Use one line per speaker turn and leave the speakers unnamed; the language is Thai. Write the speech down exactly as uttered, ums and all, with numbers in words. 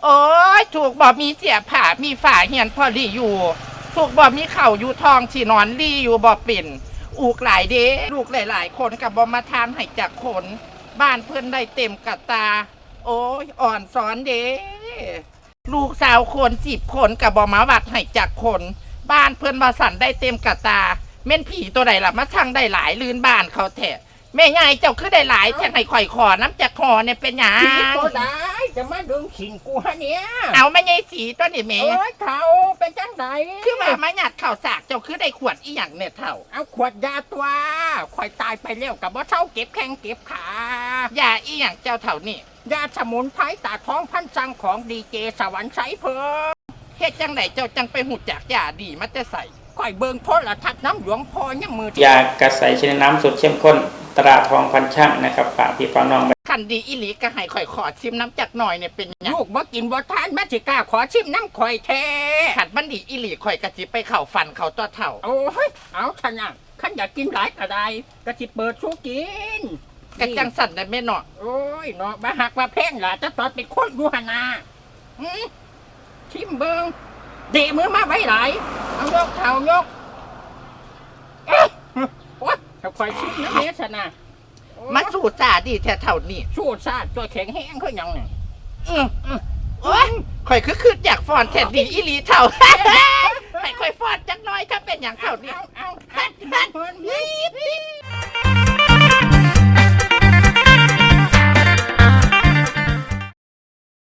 โอ้ยถูกบ่มีเสียผ่ามีฝาเหียนพอดีอยู่ ถูกบ่มีเข่าอยู่ทองที่นอนรีอยู่บ่เป็นอูกหลายเด้ลูกหลายๆคนกับบ่มาทานให้จากคนบ้านเพื่อนได้เต็มกะตา โอ้ยอ่อนสอนเด้ลูกสาวคนสิบคนกับบ่มาวัดให้จากคน บ้านเพื่อนมาสั่นได้เต็มกะตาเม่นผีตัวใดล่ะมาช่างได้หลายลื่นบ้านเขาแท้แม่ยายเจ้าคือได้หลายจากให้ข่อยขอน้ำจากคอเนี่ยเป็นหยัง
ผีตัวใดจะมาดึงขิงกูฮะเนี่ย
เอาไม่ยายสีตัวนี้แม่
เอ้ยเขาเป็นจังได
คือว่ามาหยัดข่าวสากเจ้าคือได้ขวดอีหยังเนี่ยเท่า
เอาขวดยาตัวข่อยตายไปแล้วกับว่าเช่าเก็บแข้งเก็บขาย
าอีหยังเจ้าเท่านี่
ยาสมุนไพรตาท้องพันสังของดีเจสวรรค์ใสเพิ่ม
เฮ็ดจังไหนเจ้าจังไปหูจักยาดีมาแต่ใส่
ข่อยเบิ่งโทรทัศน์น้ำหลวงพ่อยังมือ
ยากระใสชนิดน้ำสดเข้มข้นตราทองพันช่างนะครับฝากพี่ฝากน้อง
คันดีอีหลีก็ให้ข่อยขอชิมน้ำจักหน่อยเนี่ยเป็นหยัง
ลูกบ่กินบ่ทานแม่สิกล้าขอชิมน้ำข่อยแท้
ขัดมันดีอีหลีข่อยกะจิไปเข้าฟันเขาตัวเท่า
โอ้ยเอาชนะขันอยากกินหลายก็ได้ก็สิเปิดสู้กิน
กะจังสั่นได้แม่เนาะ
โอ้ยเนาะมาหักมาแพงล่ะจะตอนเป็นคนอยู่หนนาอืมชิมเบิงเดะมือมาไว้หลายเอายกเท้ายกเอ๊ะโอ๊ยถ้าคอยชิมนะเนสนะโอ๊ย
มาสู่จ่าดีแท้เท่านี่
สู้ซาดตัวแข็งแห้งเขายังเนี่ย
อืออือโอ้ยข่อยคือคืออยากฟอนแท้ดีอีหลีเท่า ให้ข่อยฟอนจักหน่อยถ้าเป็นหยังเท่านี่
เอาเอาเอาเอาเพิ่นนี่